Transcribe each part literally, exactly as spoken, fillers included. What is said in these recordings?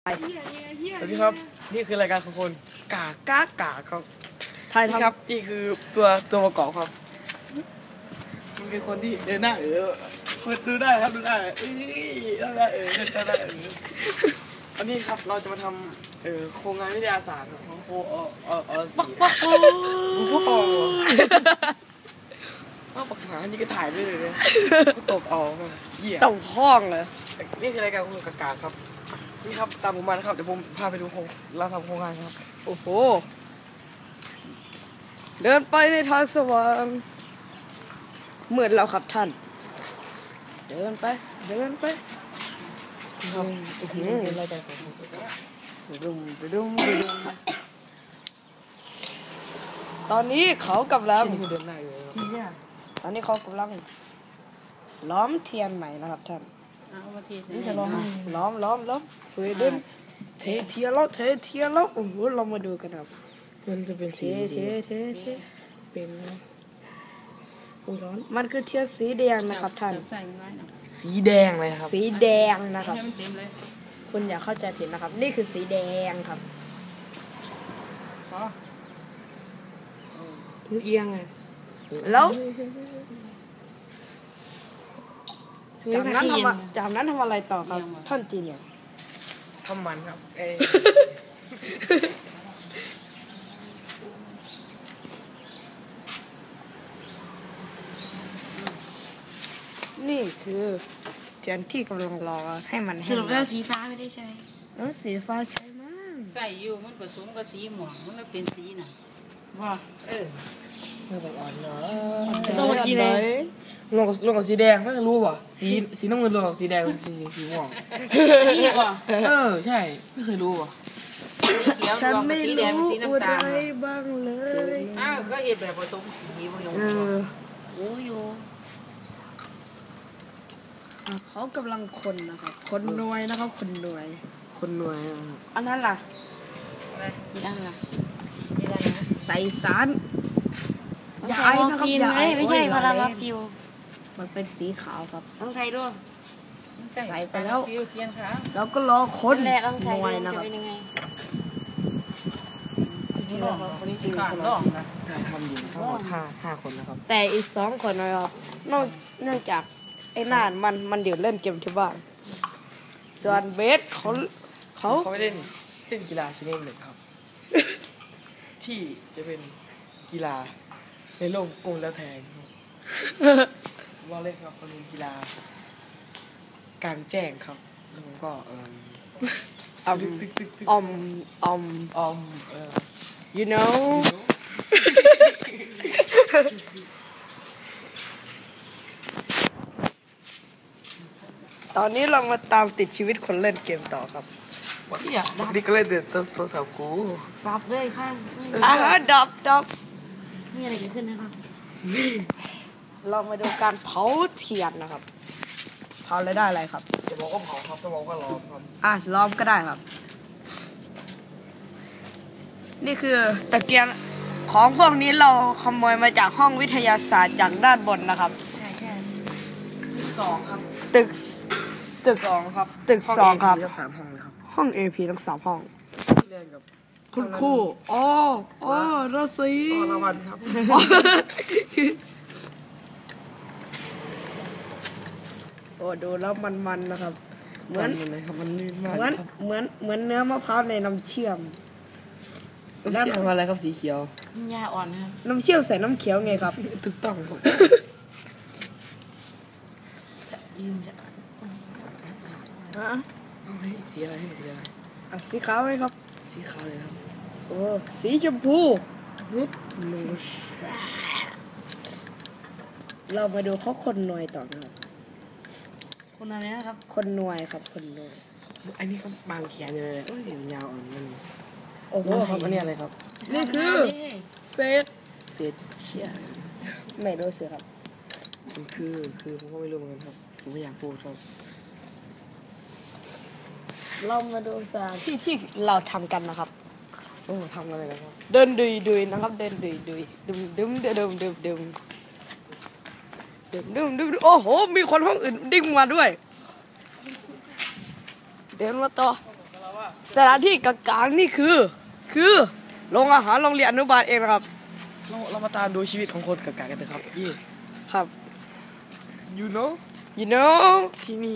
สวัสดีครับนี่คือรายการของคนกากากาครับไทยครับนี่คือตัวตัวประกอบครับมันเป็นคนที่เดินหน้าเออดูได้ครับดูได้เอ้ยดูได้เออดูได้เออวันนี้ครับเราจะมาทำเอ่อโครงงานวิทยาศาสตร์ของโคอออสีโอ้โหเอาปากหานี่ก็ถ่ายได้เลยเนี่ยตบเอาเหี้ยต้องห้องเลยนี่คือรายการของคนกากาครับนี่ครับตามผมมานะครับเดี๋ยวผมพาไปดูโครงเราทำโครงงานครับโอ้โหเดินไปในทางสว่างเหมือนเราครับท่านเดินไปเดินไปครับโอ้โหเป็นรายการของคนกากาไปดุมไปดุมไปดุมตอนนี้เขากำลังเดินหน้าอยู่ตอนนี้เขากำลังล้อมเทียนใหม่นะครับท่านนี่จะล้อมล้อมล้อมล้อมเฮ้ยเดินเทเทียนแล้วเทเทียนแล้วโอ้โหเรามาดูกันครับมันจะเป็นเทเทเทเทเป็นอุ้ยร้อนมันคือเทียนสีแดงนะครับท่านสีแดงเลยครับสีแดงนะครับคุณอย่าเข้าใจผิดนะครับนี่คือสีแดงครับเอียงไงแล้วจากนั้นทำจากนั้นทำอะไรต่อครับท่านจีนเนี่ยทำมันครับเอนี่คือเทียนที่กำลังรอให้มันสรุปแล้วสีฟ้าไม่ได้ใช้เออสีฟ้าใช้มากใส่อยู่มันผสมกับสีหม่วงมันเลยเป็นสีน่ะว่าเออเมื่อแบบอ่อนเนาะลงกับสีแดงลงกับลงกับสีแดงไม่รู้ป่ะสีสีน้ำเงินลงกับสีแดงสีสีม่วงเออใช่ไม่เคยรู้ป่ะฉันไม่รู้อะไรบ้างเลยอ้าวก็เห็นแบบผสมสีมันยังโอ้ยเขากำลังคนนะครับคนหน่วยนะครับคนหน่วยคนหน่วยอันนั้นล่ะอะไรอีกอันล่ะอีกอันนะใส่สารยายนะครับยายไม่ใช่พาราฟิวมันเป็นสีขาวครับต้องใช้ด้วยใส่ไปแล้วแล้วก็รอคนหน่วยนะครับจริงๆแล้ววันนี้จริงๆสมาชิกถ่ายทำอยู่ทั้งหมดห้าห้าคนนะครับแต่อีกสองคนนะครับนอกเนื่องจากไอ้น่านมันมันเดี๋ยวเล่นเกมที่บ้านส่วนเบสเขาเขาเขาไม่เล่นเล่นกีฬาชนิดหนึ่งครับที่จะเป็นกีฬาในโลกกงแล้วแทงว่าเล่นครับมันเป็นกีฬากลางแจ้งครับแล้วผมก็เอออมอมอมอมเออ you know ตอนนี้เรามาตามติดชีวิตคนเล่นเกมต่อครับเนี่ยนี่ก็เล่นเด็ดตัวตัวสาวกูดับเลยข้างอ่าดับดับมีอะไรเกิดขึ้นนะครับเรามาดูการเผาเทียนนะครับเผาแล้วได้อะไรครับจะบอกว่าเผาครับจะบอกว่าล้อมครับอ่ะล้อมก็ได้ครับนี่คือตะเกียงของพวกนี้เราขโมยมาจากห้องวิทยาศาสตร์จากด้านบนนะครับใช่ใช่ตึกสองครับตึกตึกสองครับตึกสองครับทั้งสามห้องเลยครับห้อง เอ พี ทั้งสามห้องเรียนกับคุณครูอ๋ออ๋อราศีอ๋อรางวัลครับโอ้ดูแล้วมันๆนะครับเหมือนเลยครับมันลื่นมากเหมือนเหมือนเหมือนเนื้อมะพร้าวในน้ำเชื่อมน้ำเชื่อมอะไรครับสีเขียวหญ้าอ่อนนะครับน้ำเชื่อมใส่น้ำเขียวไงครับถูกต้องครับยืนจะอ่ะสีอะไรสีอะไรอ่ะสีขาวไหมครับสีขาวเลยครับโอ้สีชมพูนุชเรามาดูเขาคนหน่วยต่อนะครับคนอะไรนะครับคนหน่วยครับคนหน่วยอันนี้ก็บางเขียนเลยเอ้ยยาวอ่อนมันโอ้โหครับอันนี้อะไรครับนี่คือเศษเศษเชี่ยไม่รู้สิครับมันคือคือผมก็ไม่รู้เหมือนกันครับผมไม่อยากพูดครับเรามาดูสถานที่ที่เราทำกันนะครับโอ้ทำอะไรนะครับเดินดุยดุยนะครับเดินดุยดุยดึมดึมดึมดึมดึมดึมดึมดึมโอ้โหมีคนห้องอื่นดิ้งมาด้วยเดินมาต่อสถานที่กลางๆนี่คือ คือโรงอาหารโรงเรียนอนุบาลเองนะครับเราเรามาตามดูชีวิตของคนกากากันเถอะครับยี่ครับ you know you know ที่นี่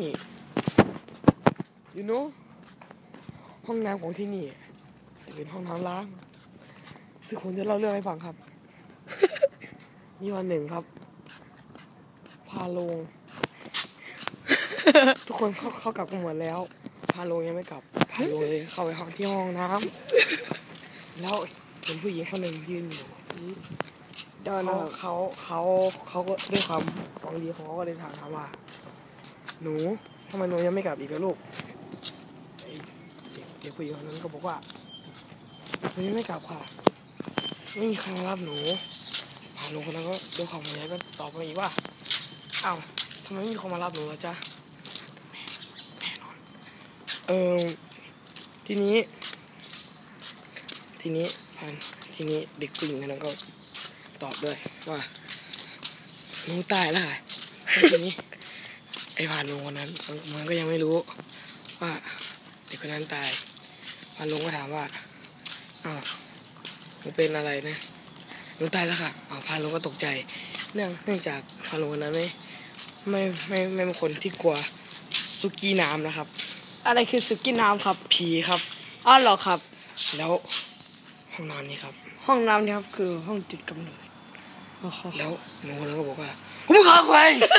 you know ห้องน้ำของที่นี่จะเป็นห้องน้ำล้างซึ่งผมจะเล่าเรื่องให้ฟังครับ มีวันหนึ่งครับ พาลง ทุกคนเข้าเข้ากลับกันหมดแล้ว พาลงยังไม่กลับ พาลงเลยเข้าไปห้องที่ห้องน้ำแล้วเห็นผู้หญิงคนหนึ่งยืนอยู่เดินเขาเขาเขาเขาก็ด้วยความหวังดีของเขาก็เลยถามถามว่า หนูทำไมหนูยังไม่กลับอีกล่ะลูกไอ้เด็กเด็กผู้หญิงคนนั้นก็บอกว่าหนูยังไม่กลับค่ะไม่มีใครมารับหนูพาลุงคนนั้นก็ด้วยความห่วงใยก็ตอบมาอีกว่าอ้าวทำไมไม่มีคนมารับหนูล่ะจ๊ะแม่แม่นอนเออทีนี้ ทีนี้พันทีนี้เด็กผู้หญิงคนนั้นก็ตอบด้วยว่าหนูตายแล้วค่ะทีนี้ไอ้พานลุงคนนั้นมันก็ยังไม่รู้ว่าเด็กคนนั้นตายพานลุงก็ถามว่าอ้าวหนูเป็นอะไรนะหนูตายแล้วค่ะอ้าวพานลุงก็ตกใจเนื่องเนื่องจากพานลุงคนนั้นไม่ไม่ไม่ไม่เป็นคนที่กลัวสุกี้น้ำนะครับอะไรคือสุกี้น้ำครับผีครับอ้าวเหรอครับแล้วห้องนอนนี้ครับห้องน้ำนี่ครับคือห้องจุดกำเนิดโอ้โหแล้วหนูคนนั้นก็บอกว่าผมขอไป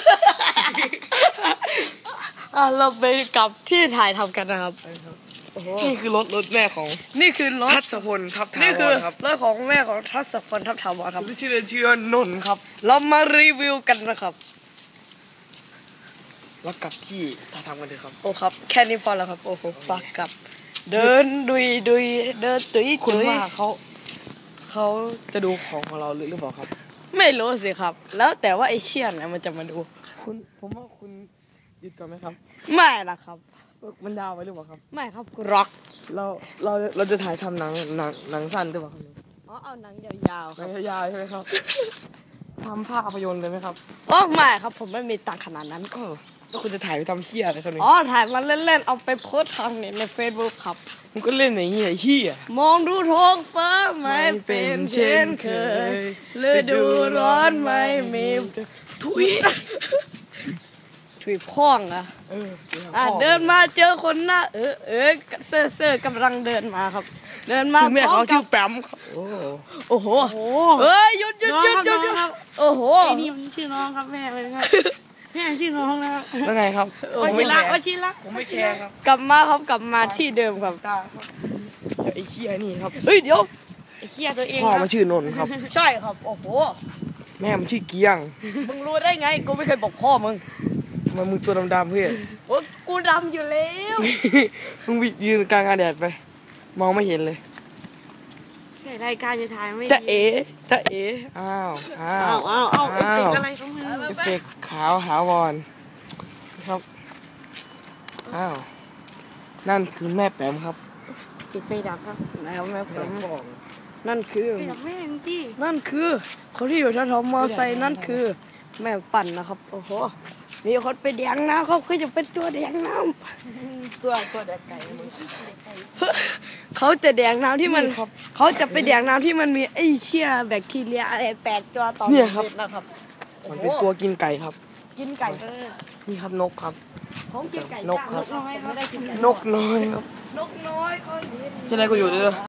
อ่ะเราไปกลับที่ถ่ายทำกันนะครับโอ้โหนี่คือรถรถแม่ของนี่คือรถทัศพลทับทานี่วคือรครับรถของแม่ของทัศพลทับถาวรครับชื่อเล่นชื่อว่านนท์ครับเรามารีวิวกันนะครับแล้วกลับที่ท่าทางกันเถอะครับโอ้ครับ แค่นี้พอแล้วครับ โอ้โหปากกลับ เดินดุยดุยเดินตุยคุณตุยว่าเขาเขาจะดูของของเราหรือหรือเปล่าครับไม่รู้สิครับ แล้วแต่ว่าไอเชี่ยนเนี่ยมันจะมาดูคุณผมว่าคุณหยุดก่อนไหมครับไม่นะครับมันยาวไปหรือเปล่าครับไม่ครับกูร็อกเราเราเราจะถ่ายทำหนังหนังหนังสั้นหรือเปล่าครับอ๋อเอาหนังยาวๆหคนัรับงยาวๆใช่ไหมครับทำภาพยนตร์เลยไหมครับอ๋อไม่ครับผมไม่มีตังค์ขนาดนั้นเออแล้วคุณจะถ่ายไปทำเหี้ยอะไรครับเนี่ยอ๋อถ่ายมาเล่นๆเอาไปโพสต์ทางเนี่ยใน Facebook ครับมันก็เล่นอย่างนี้ไอ้เหี้ยมองดูท้องฟ้าไม่เป็นเช่นเคยฤดูร้อนไม่มีทุยถุยพ่องอะเอออ่ะเดินมาเจอคนหน้าเออเออเซ่อเซ่อกำลังเดินมาครับ เดินมาชื่อแม่เขาชื่อพร้มกับแปมครับโอ้โอ้โหเอ้ยหยุดหยุดหยุดหยุดหยุดโอ้โหไอ้นี่มันชื่อน้องครับแม่เป็นไงแม่ชื่อน้องนะครับแล้วไงครับวชิระวชิระผมไม่แคร์ครับกลับมาครับกลับมาที่เดิมครับไอ้เหี้ยนี่ครับเฮ้ยเดี๋ยวไอ้เคียตัวเองพ่อครับมันชื่อนนท์ครับใช่ครับโอ้โหแม่มันชื่อเกียงมึงรู้ได้ไงกูไม่เคยบอกพ่อมึงทำไมมึงตัวดำๆเพื่อนโอ้ยกูดำอยู่แล้วมึงยืนกลางอาแดดไป มองไม่เห็นเลยใช่รายการจะถ่ายไม่จะเอ๋จะเอ๋อ้าวอ้าอ้าว วอ้าวอ้าวเอฟอ้าเฟกวต์อะไรของมึงเอฟเฟกต์ขาวหาวอนครับอ้าวนั่นคือแม่แปมครับปิดไฟดับครับแล้วแม่ผแม่มบอกนั่นคือไฟดับแม่งจี้นั่นคือคนที่อยู่แถวๆมอไซค์นั่นคือ แม่ปั่นนะครับโอ้โหมีคนไปแดงน้ำเขาคือจะเป็นตัวแดงน้ำตัวตัวเด็กไก่มึงเขาจะแดงน้ำที่มันเขาจะไปแดงน้ำที่มันมีไอ้เชี่ยแบคทีเรียอะไรแปดตัวต่อเนี่ยครับม็ดนะครับมันเป็นตัวกินไก่ครับกินไก่นี่ครับนกครับผมกินไก่นกครับย่างนกน้อยไม่ได้กินไก่นกน้อยครับนกน้อยเขาจะได้กูอยู่ด้วย